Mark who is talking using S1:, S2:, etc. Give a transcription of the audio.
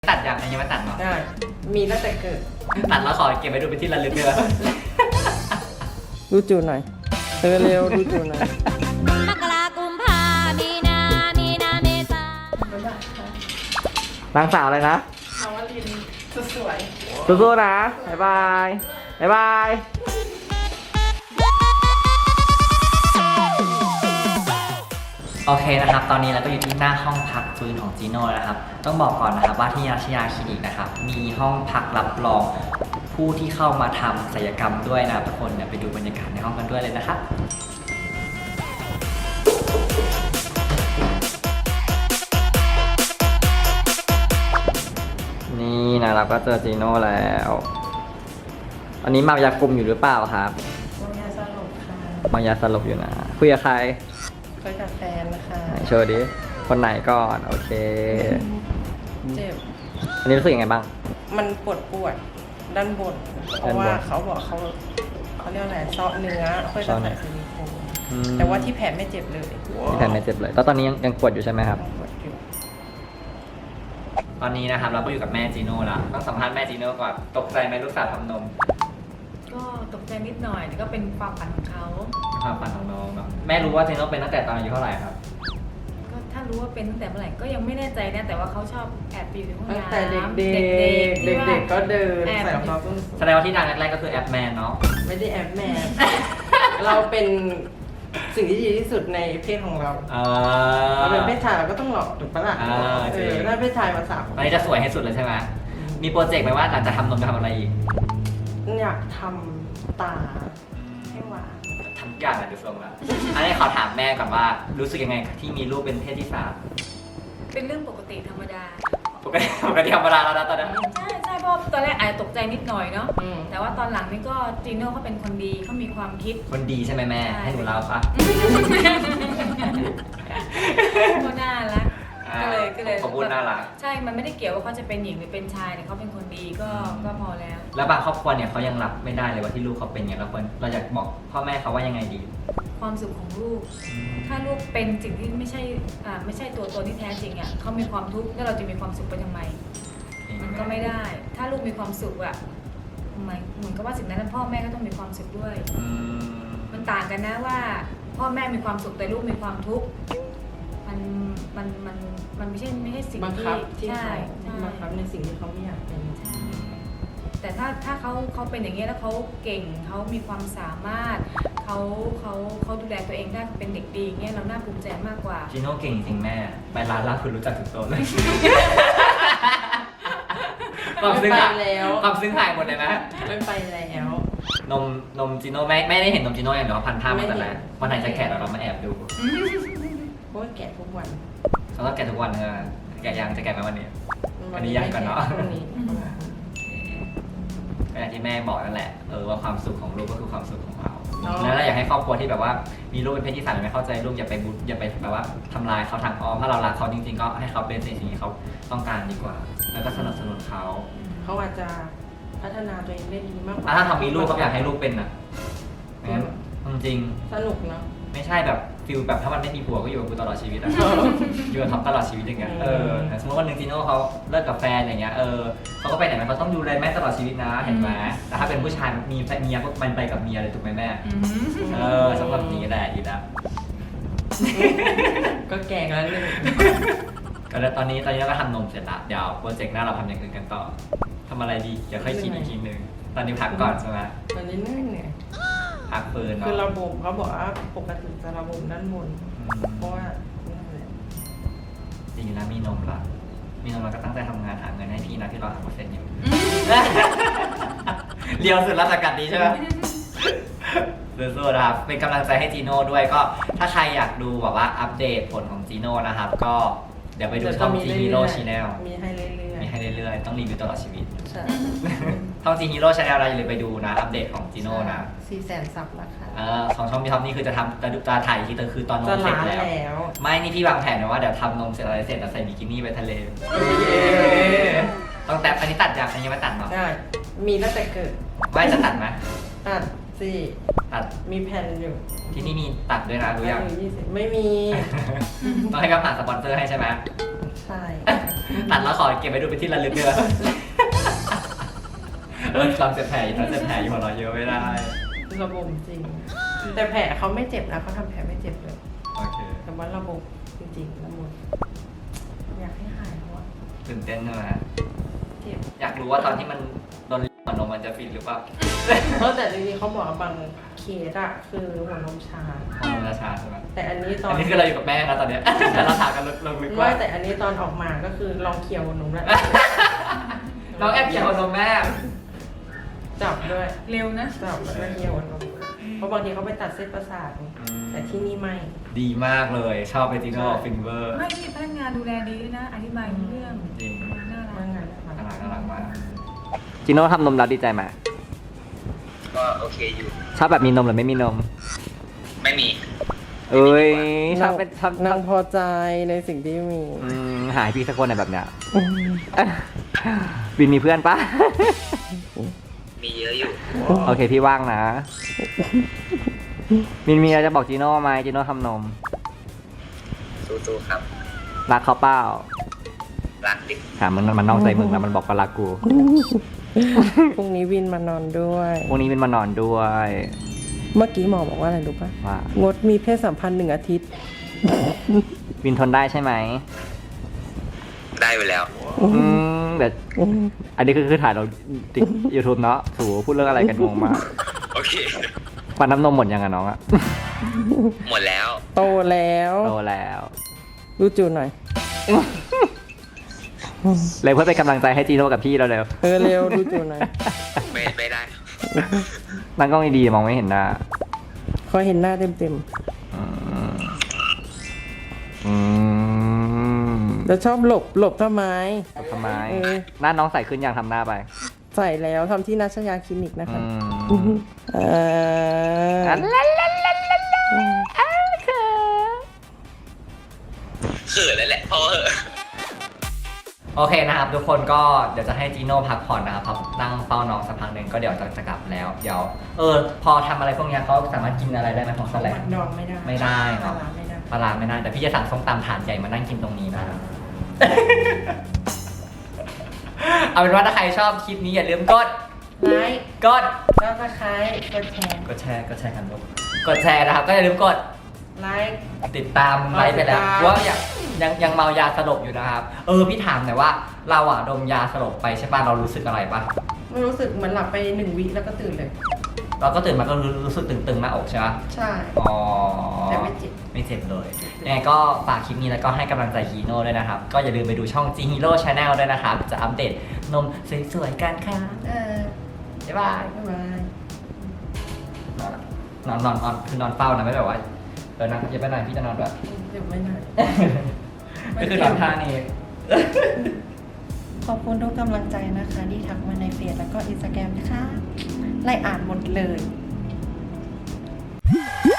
S1: ตัดอย่างยังไม่ตัดเนาะ
S2: ได้มีตั้งแต่เกิด
S1: ตัดแล้วขอเก็บไว้ดูเป็นที่ระลึกด้วย
S2: ดูจูหน่อยเร็วดูจูหน่อย
S3: มกรากุมภามีนาเมษาน
S1: างสาวเลยนะ
S2: น้องวลินสวย
S1: สู้ๆนะบ๊ายบายบ๊ายบายโอเคนะครับตอนนี้เราก็อยู่ที่หน้าห้องพักฟื้นของจีโน่นะครับต้องบอกก่อนนะครับว่าที่ราชยาคลินิกนะครับมีห้องพักรับรองผู้ที่เข้ามาทำศัลยกรรมด้วยนะทุกคนเดี๋ยวไปดูบรรยากาศในห้องกันด้วยเลยนะครับนี่นะเราก็เจอจีโน่แล้วอันนี้เมายาคุมอยู่หรือเปล่าครับ
S2: ๆมายาสลบค่ะ
S1: เมายาสลบอยู่นะคุยกับใคร
S2: คุยกับแฟนนะคะ
S1: ไหนโชว์ดิคนไหนก่อนโอเค
S2: เจ็บ
S1: อันนี้รู้สึกยังไงบ้าง
S2: มันปวดด้านบนเพราะว่าเขาบอกเขาเรียกอะไรเซาะเนื้อเพื่อจะใส่ซิลิโคนแต่ว่าที่แผลไม่เจ็บเลย
S1: ที่แผลไม่เจ็บเลยตอนนี้ยังปวดอยู่ใช่ไหมครับ
S2: ปวดอยู่
S1: ตอนนี้นะครับเราก็อยู่กับแม่จีโน่แล้วต้องสัมภาษณ์แม่จีโน่ก่อนตกใจไหมลูกสาวทำนม
S4: ก็ตกใจนิดหน่อยแต่ก็เป็นความฝันของเขา
S1: ความฝันของน้องเนาะแม่รู้ว่าจีโน่เป็นตั้งแต่ตอนอายุเท่าไหร่ครับ
S4: ก็ถ้ารู้ว่าเป็นตั้งแต่เมื่อไหร่ก็ยังไม่แน่ใจนะแต่ว่าเขาชอบแอบไปอยู่ในห้อง
S2: ตั้ง
S4: น้ำ
S2: แต่เด็กๆก็เดินใส่รองเท้าส้นสูง
S1: แสดงว่าที่ดังแรกๆก็คือแอปแมนเนาะ
S2: ไม่ได้แอบแม่ เราเป็นสิ่งที่ดีที่สุดในเพศของเราเราเป็นเพศชายเราก็ต้องหล่อถูกปะล่ะถ้าเพศชายมาสาว
S1: ตอนนี้จะสวยให้สุดเลยใช่ไหมมีโปรเจกต์ไหมว่าหลังจากทำนมจะทำอะไรอีก
S2: อยากทำตาให้หวาน
S1: ทำอย่างอะไรดูทรงละอันนี้ขอถามแม่ก่อนว่ารู้สึกยังไงที่มีลูกเป็นเพศที่สาม
S4: เป็นเรื่องปกติธรรมดา
S1: ปกติธรรมดาแล้วนะตอนนั้น
S4: ใช่เพราะตอนแรกอาจจะตกใจนิดหน่อยเนาะแต่ว่าตอนหลังนี่ก็จีโน่เขาเป็นคนดีเขามีความคิด
S1: คนดีใช่ไหมแม่ให้หนูเล่าปะ
S4: ก็น่ารักก็เลย
S1: ขอบคุณน่ารัก
S4: ใช่มันไม่ได้เกี่ยวว่าเขาจะเป็นหญิงหรือเป็นชายแต่เขาเป็นคนดีก็พอแล้ว
S1: แล้วบางครอบครัวเนี่ยเขายังรับไม่ได้เลยว่าที่ลูกเขาเป็นอย่างเราอยากบอกพ่อแม่เขาว่ายังไงดี
S4: ความสุขของลูกถ้าลูกเป็นสิ่งที่ไม่ใช่ตัวตนที่แท้จริงอ่ะเขามีความทุกข์แล้วเราจะมีความสุขไปทำไมมันก็ไม่ได้ถ้าลูกมีความสุขอ่ะเหมือนกับว่าสิ่งนั้นพ่อแม่ก็ต้องมีความสุขด้วยมันต่างกันนะว่าพ่อแม่มีความสุขแต่ลูกมีความทุกข์มันไม่ใช่สิ่งที่ใช่
S2: บังคับในสิ่งที่เขาไม่อยากเป็น
S4: แต่ถ้าเขาเป็นอย่างนี้แล้วเขาเก่งเขามีความสามารถเขาดูแลตัวเองได้เป็นเด็กดีเงี้ยเราน่าภูมิใจมากกว่า
S1: จีโน่เก่งจริงแม่ไปร้านล่าคุณรู้จักถึงโต๊ะเลยความซึ้งหายหมดเลยนะ
S2: ไม่ไปแล้ว
S1: นมจีโน่ไม่ได้เห็นนมจีโน่อย่างเดียวพันท่ามาแต่แรกวันไหนจะแกะเรามาแอบดู
S2: เพราะแกะทุกวัน
S1: เขาต้องแกะทุกวันเลยแกะยังจะแกะไหมวันนี้วันนี้ยังก่อนเนาะก็อย่างที่แม่บอกนั่นแหละว่าความสุขของลูกก็คือความสุขของเราแล้วเราอยากให้ครอบครัวที่แบบว่ามีลูกเป็นเพศที่สามไม่เข้าใจลูกอย่าไปแบบว่าทำลายเขาทางอ้อมถ้าเรารักเขาจริงๆก็ให้เขาเป็นสิ่งที่เขาต้องการดีกว่าแล้วก็สนับสนุนเขา
S2: อาจจะพัฒนาตัวเองได้ดีมากกว่า
S1: ถ้าเขามีลูกเขาอยากให้ลูกเป็นนะจริง
S2: สนุกเนาะ
S1: ไม่ใช่แบบฟิลแบบถ้ามันไม่มีผัวก็อยู่กับกูตลอดชีวิตอะอยู่กับท็อปตลอดชีวิตอย่างเงี้ยสมมติวันหนึ่งจีโน่เขาเลิกกับแฟนอย่างเงี้ยเขาก็ไปไหนเขาต้องดูแลแม่ตลอดชีวิตนะเห็นไหมแต่ถ้าเป็นผู้ชายมีเมียก็มันไปกับเมียเลยถูกไหมแม่สำหรับนี้แหละดีนะ
S2: ก็แก่แล้วเลย
S1: ก็ตอนนี้เราก็ทำนมเสร็จละเดี๋ยวโปรเจกต์หน้าเราทำอย่างอื่นกันต่อทำอะไรดีเดี๋ยวค่อยคิดอีกทีนึงตอนนี้พักก่อนใช่ไหม
S2: ตอนนี้เหนื่อย
S1: พักปืน
S2: คือระบบเขาบอกว่าปกติจะระบบด้านบนเพราะว่า
S1: จริงนะมีนมละก็ตั้งใจทำงานหาเงินให้พี่นะที่เรา3%อยู่เรียวสุดราชการนี้ใช่ไหมสู้ๆนะครับเป็นกำลังใจให้จีโน่ด้วยก็ถ้าใครอยากดูแบบว่าอัปเดตผลของจีโน่นะครับก็เดี๋ยวไปดูช่องจีฮีโร่ชาแนล
S2: มีให้เรื่อย
S1: ๆต้องรีวิวตลอดชีวิตช่องจีฮีโร่ชาแนลเราอย่าลืมไปดูนะอัปเดตของจีโน่นะ
S2: 400,000 ซับแล้วค่ะ
S1: ของช่องพี่ท็อปนี่คือจะทำจะถ่ายที่คือตอนนมเสร็จแล้วไม่นี่พี่วางแผนไว้ว่าเดี๋ยวทำนมเสร็จอะไรเสร็จแล้วใส่บิกินี่ไปทะเลต้องแต่อันนี้ตัดอย่างยังไม่ตัดเนาะ
S2: ได้มีตั้งแต่เกิด
S1: ไม่จะตัดไหม
S2: ตัดมีแผ่นอยู่
S1: ที่นี่มีตัดด้วยนะรู้ยัง
S2: ไม่มี
S1: ต้องให้เขาหาสปอนเซอร์ให้ใช่ไหม
S2: ใช่ใช่
S1: ตัดแล้วขอเก็บไว้ดูเป็นที่ระลึกด้วยลองเจ็บแผลอยู่ถ้าเจ็บแผลอยู่หัวเราะเยอะไม่ได้
S2: ระบมจริง แต่แผลเขาไม่เจ็บนะเขาทำแผลไม่เจ็บเลย
S1: โอเค
S2: แต่ว่าระบบจริงๆละมุนอยากให้หายเพราะว่า
S1: ตื่นเต้นใช่ไหม
S2: เจ็บ
S1: อยากรู้ว่าตอนที่มันโดนหัวนมมันจะฟินหรือเปล่า
S2: เพราะแต่จริงๆเขาบอกว่าบางเคสอะคือหัวนมชา
S1: หัวนมจะชาใช่ไหม
S2: แต่อันนี้ตอน
S1: อันนี้คือเราอยู่กับแม่นะตอนเนี้ย แต่เราถามกันลึกๆว่า
S2: ไม่แต่อันนี้ตอนออกมาก็คือลองเคี่ยวหัวนมแล้ว
S1: น้องแอบเกี่ยวหัวนมแม่
S2: จับด้วย
S4: เร็วนะ
S2: จับแล้วก็เคี่ยวหัวนมเพราะบางทีเขาไปตัดเส้นประสาทไงแต่ที่นี่ไม่
S1: ดีมากเลยชอบเบจิโน่ฟินเวอร์
S4: ไม่ที่พนักงานดูแลดีด้วยนะ อธิบายเรื่อง
S1: จริง
S4: น่ารั
S2: ว่าก งานนะคะ
S1: น่ารักมากจิโน่ทำนมแล้วดีใจไหม
S5: ก็โอเคอยู่
S1: ชอบแบบมีนมหรือไม่มีนม
S5: ไม่มี
S1: เอ้ยชอบเป็นชอบ
S2: นางพอใจในสิ่งที่มี
S1: หายพี่สักคนในแบบเนี้ยวินมีเพื่อนปะ
S5: มีเยอะอยู่
S1: โอเคพี่ว่างนะวินมีอะไรจะบอกจีโน่ไหมจีโน่ทำนม
S5: สู้ๆครับ
S1: รักเขาเปล่า
S5: รักดิ
S1: ถามมันนอกใจมึงแล้วมันบอกว่ารักกู
S2: พรุ่งนี้วินมานอนด้วย
S1: พวกนี้เป็นมานอนด้วย
S2: เมื่อกี้หมอบอกว่าอะไรรู้ปะ
S1: ว่า
S2: งดมีเพศสัมพันธ์1 อาทิตย์
S1: วินทนได้ใช่ไหม
S5: ได้ไปแล้ว
S1: แต่อันนี้คือถ่ายเราติ๊กยูทูบเนาะถูพูดเรื่องอะไรกันงงมาก
S5: โอเค
S1: ปันน้ำนมหมดยังอะน้องอะ
S5: หมดแล้ว
S2: โตแล้ว
S1: โตแล้ว
S2: รู้จูนหน่อย
S1: เลยเพื่อเป็นกำลังใจให้จีโน่กับพี่เราเร็ว
S2: เร็วรู้จูนหน่อย
S5: ไม่ได้
S1: นั่งกล้องดีๆมองไม่เห็นหน้า
S2: ขอเห็นหน้าเต็ม
S1: อืมอืม
S2: ๆแล้วชอบหลบทำไม
S1: ทำไม
S2: เออ
S1: หน้าน้องใสขึ้นยังทำหน้าไป
S2: ใส่แล้วทำที่นัชยาคลินิกนะคะ
S1: อืม
S2: อ่า
S5: เขินแล้วแหละพอเหอะ
S1: โอเคนะครับทุกคนก็เดี๋ยวจะให้จีโน่พักผ่อนนะครับนั่งเฝ้าน้องสักพักหนึ่งก็เดี๋ยวจะกลับแล้วเดี๋ยวพอทำอะไรพวกเนี้ยเขาสามารถกินอะไรได้ไหมของแสลง
S2: มันดองไม่ได้
S1: ไม่ได้
S2: ปลา
S1: เนาะ
S2: ร้าไม่ได้
S1: ปลาร้าไม่ได้แต่พี่จะสั่งส้มตำถาดใหญ่มานั่งกินตรงนี้นะ เอาเป็นว่าถ้าใครชอบคลิปนี้อย่าลืมกด
S2: ไลค์
S1: กด
S2: แล้วก็คล้ายกดแชร์
S1: กดแชร์กันลูกกดแชร์นะครับก็อย่าลืมกด
S2: ไลค์
S1: ติดตามไลฟ์ไปแล้ว
S2: ติดตาม
S1: ว่ายังเมายาสลบอยู่นะครับพี่ถามหน่อยว่าเราอะดมยาสลบไปใช่ป่ะเรารู้สึกอะไรป่ะ
S2: ไม่รู้สึกเหมือนหลับไป1 วิแล้วก็ตื่นเลย
S1: เราก็ตื่นมาก็รู้สึกตึงๆหน้าอกใช่ป่ะ
S2: ใช่
S1: อ๋อ
S2: แต่ไม่เจ็บ
S1: ไม่เจ็บเลยยังไงก็ฝากคลิปนี้แล้วก็ให้กำลังใจฮีโน่ด้วยนะครับก็อย่าลืมไปดูช่อง G Hero Channel ด้วยนะครับจะอัปเดตนมสวยๆกันค่ะบ๊ายบาย
S2: บ๊ายบาย
S1: นอนคือนอนเฝ้านะไม่แบบว่านั่งอย่าไปไหนพี่จะนอนแบบ
S2: เดี๋ยวไม่ได้
S1: ก็คือนอนท่านี้
S2: ขอบคุณทุกกำลังใจนะคะที่ทักมาในเฟซแล้วก็อินสตาแกรมนะคะไล่อ่านหมดเลย